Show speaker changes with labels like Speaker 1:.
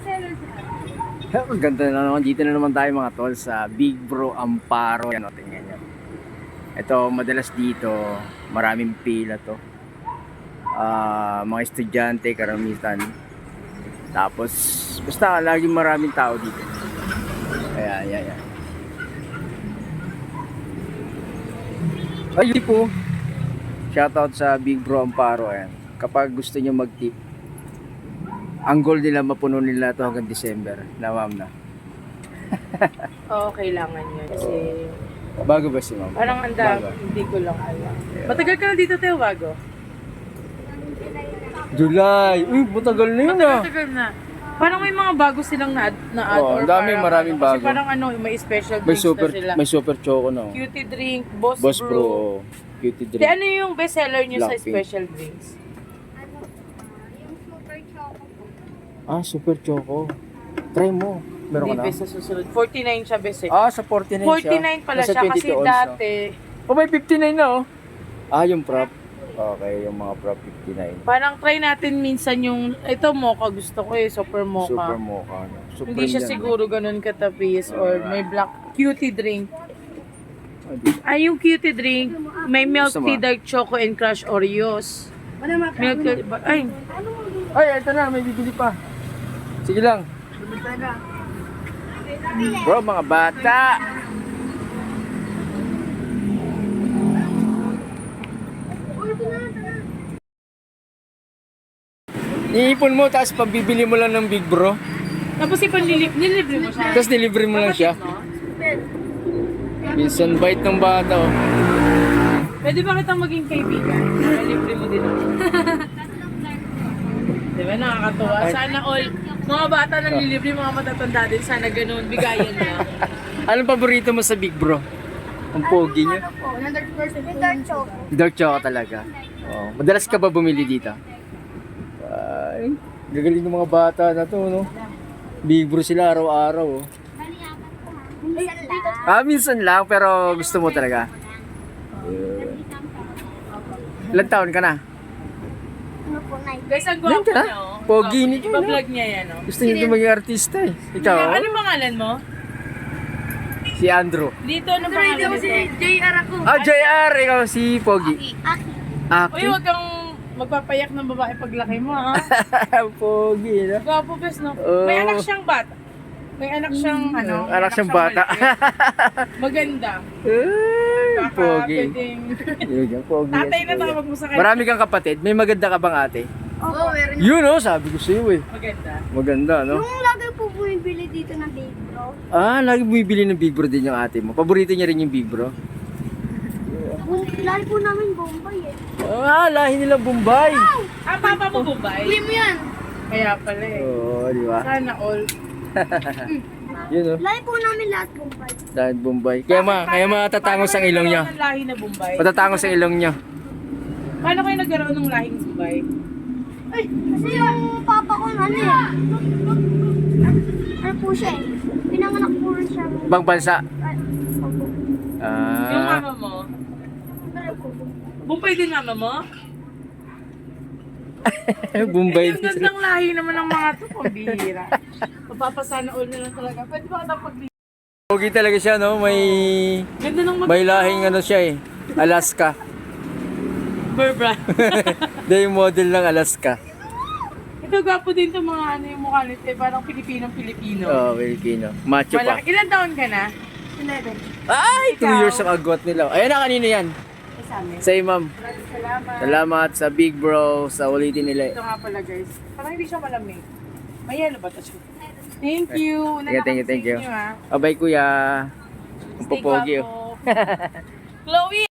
Speaker 1: Ang ganda na naman. Dito na naman tayo mga tol sa Big Bro Amparo. Yan o, tingnan nyo. Ito, madalas dito, maraming pila to. Mga estudyante, karamihan. Tapos, basta laging maraming tao dito. Ayan. Ay, po. Shoutout sa Big Bro Amparo. Ayan. Kapag gusto nyo mag-tip, ang goal nila mapuno nila to hanggang December. Na ma'am na.
Speaker 2: Oo, kailangan yun. Kasi
Speaker 1: Bago ba si ma'am?
Speaker 2: parang hindi ko lang alam. Matagal ka na dito, Teo, bago?
Speaker 1: July! Uy, matagal na yun ah!
Speaker 2: Matagal na. Parang may mga bago silang na-add.
Speaker 1: Oo, ang dami, maraming bago.
Speaker 2: Kasi parang may special
Speaker 1: May
Speaker 2: drinks
Speaker 1: super,
Speaker 2: na sila.
Speaker 1: may super choco na.
Speaker 2: Cutie drink, Boss
Speaker 1: Boss
Speaker 2: Brew.
Speaker 1: Bro. Cutie drink.
Speaker 2: Ano yung best seller nyo sa
Speaker 1: Blackpink.
Speaker 2: special drinks?
Speaker 1: Ah, super choco. Try mo. Meron ka
Speaker 2: Hindi,
Speaker 1: na?
Speaker 2: best sa susunod. 49 siya, best eh.
Speaker 1: Ah, sa 49 siya.
Speaker 2: 49 pala
Speaker 1: Nasa
Speaker 2: siya kasi
Speaker 1: 22 ounce na.
Speaker 2: dati.
Speaker 1: Oh, may 59 na oh. Ah, yung prop. Okay, yung mga prop 59.
Speaker 2: Parang try natin minsan yung, ito mocha gusto ko eh, super mocha.
Speaker 1: Super mocha. No? Super
Speaker 2: Hindi siya
Speaker 1: yan,
Speaker 2: siguro ganun katapis or may black cutie drink.
Speaker 1: No?
Speaker 2: Ay, yung cutie drink, may milk
Speaker 1: Gusto mo?
Speaker 2: tea, dark choco, and crush Oreos. Milk tea, ay,
Speaker 1: Ay, ito na, may bibili pa. Sige lang. Bro, mga bata. Iipon mo, tapos pambibili mo lang ng Big Bro.
Speaker 2: tapos nilibre mo siya.
Speaker 1: Tapos delivery mo lang siya. Minsan bite ng bata oh.
Speaker 2: Pwede ba kitang maging kaibigan? Nilibre mo din ako. Diba, nakakatuwa. Sana all, mga bata nang lilibre, mga matatanda din, sana ganun, bigayan niya.
Speaker 1: Anong paborito mo sa Big Bro? Ang pogi niya.
Speaker 3: Dark choco.
Speaker 1: Dark chocolate talaga. Oh, madalas ka ba bumili dito? Ay, gagaling ng mga bata na to, no? Big Bro sila araw-araw, oh. Ah, minsan lang, pero gusto mo talaga. Ilang taon ka na?
Speaker 3: Ano po, Nay?
Speaker 2: Guys, ang
Speaker 1: Yan
Speaker 2: gwapo
Speaker 1: ka?
Speaker 2: niya, oh.
Speaker 1: Pogi ni Jun,
Speaker 2: Iba-vlog niya yan, oh.
Speaker 1: Gusto niyo din maging artista eh. Ikaw?
Speaker 2: Ano pangalan mo?
Speaker 1: Si Andrew.
Speaker 2: Dito, ano pangalan mo?
Speaker 3: JR ako.
Speaker 1: Ah, JR! Ikaw si Pogi.
Speaker 3: Aki.
Speaker 1: Aki?
Speaker 2: Uy, huwag kang magpapayak ng babae paglaki mo, ha?
Speaker 1: Pogi, no?
Speaker 2: Gwapo, bes, no?
Speaker 1: Oh.
Speaker 2: May anak siyang bata. May anak siyang, ano?
Speaker 1: Anak siyang bata.
Speaker 2: maliit. Maganda.
Speaker 1: Ay,
Speaker 2: Baka
Speaker 1: Pogi.
Speaker 2: pwedeng...
Speaker 1: Yun, Pogi.
Speaker 2: Tatay na
Speaker 1: Kuya.
Speaker 2: tawag mo sa kanya.
Speaker 1: Marami kang kapatid. May maganda ka bang ate?
Speaker 3: Oo, meron.
Speaker 1: Yun, oh, sabi ko sa'yo eh.
Speaker 2: Maganda.
Speaker 1: Maganda, no?
Speaker 3: Yung lagi po bumibili dito ng Big Bro.
Speaker 1: Ah, lagi bumibili ng Big Bro din yung ate mo. Paborito niya rin yung Big Bro.
Speaker 3: Lagi po namin Bombay eh.
Speaker 1: Ah, lahi nila Bombay.
Speaker 2: Ah, papa mo Bombay?
Speaker 3: Bili mo yan.
Speaker 2: Kaya pala eh.
Speaker 1: Oo, di ba?
Speaker 2: Sana all.
Speaker 1: Yun, oh.
Speaker 3: Lagi po namin lahat Bombay.
Speaker 1: Dahil Bombay. Kaya matatangos ang ilong niya.
Speaker 2: Paano kayo nagkaroon ng lahi na Bombay?
Speaker 1: Matatangos ang ilong niya.
Speaker 2: Paano kayo nagkaroon ng lahing Bombay?
Speaker 3: Ay, kasi yung papa ko ano eh. Ano po siya eh. Pinanganak po rin siya.
Speaker 1: Ibang bansa.
Speaker 3: Opo.
Speaker 2: Yung
Speaker 1: Ah,
Speaker 2: mama mo?
Speaker 3: Pero po.
Speaker 2: Bombay din mama mo?
Speaker 1: Bombay.
Speaker 2: Ang gandang lahi naman ng mga to, pambihira. Mapapasana all na lang talaga. Pwede ba kitang pag-
Speaker 1: Pogi talaga siya, no?
Speaker 2: Ganda ng
Speaker 1: May lahing ano siya eh. Alaska.
Speaker 2: Berbra.
Speaker 1: Dahil yung model ng Alaska.
Speaker 2: Ito gwapo din to mga ano yung mukha nito eh. Parang Pilipinong-Pilipino.
Speaker 1: Oh, Filipino. Macho pa.
Speaker 2: Malaki. Ilan taon ka na?
Speaker 3: 11.
Speaker 1: Ay, 2
Speaker 2: Ikaw?
Speaker 1: years ang agwat nila. Ayan na, kanino yan?
Speaker 2: Sa amin.
Speaker 1: Sa'yo, ma'am.
Speaker 2: Maraming salamat.
Speaker 1: Salamat sa Big Bro, sa ulitin nila.
Speaker 2: Ito nga pala guys. Parang hindi siya malamig. May yellow ba ito? Thank you.
Speaker 1: Thank you.
Speaker 2: Inyo, ha.
Speaker 1: Abay, kuya. Ang
Speaker 2: Stay
Speaker 1: popogi, oh.
Speaker 2: gwapo. Chloe!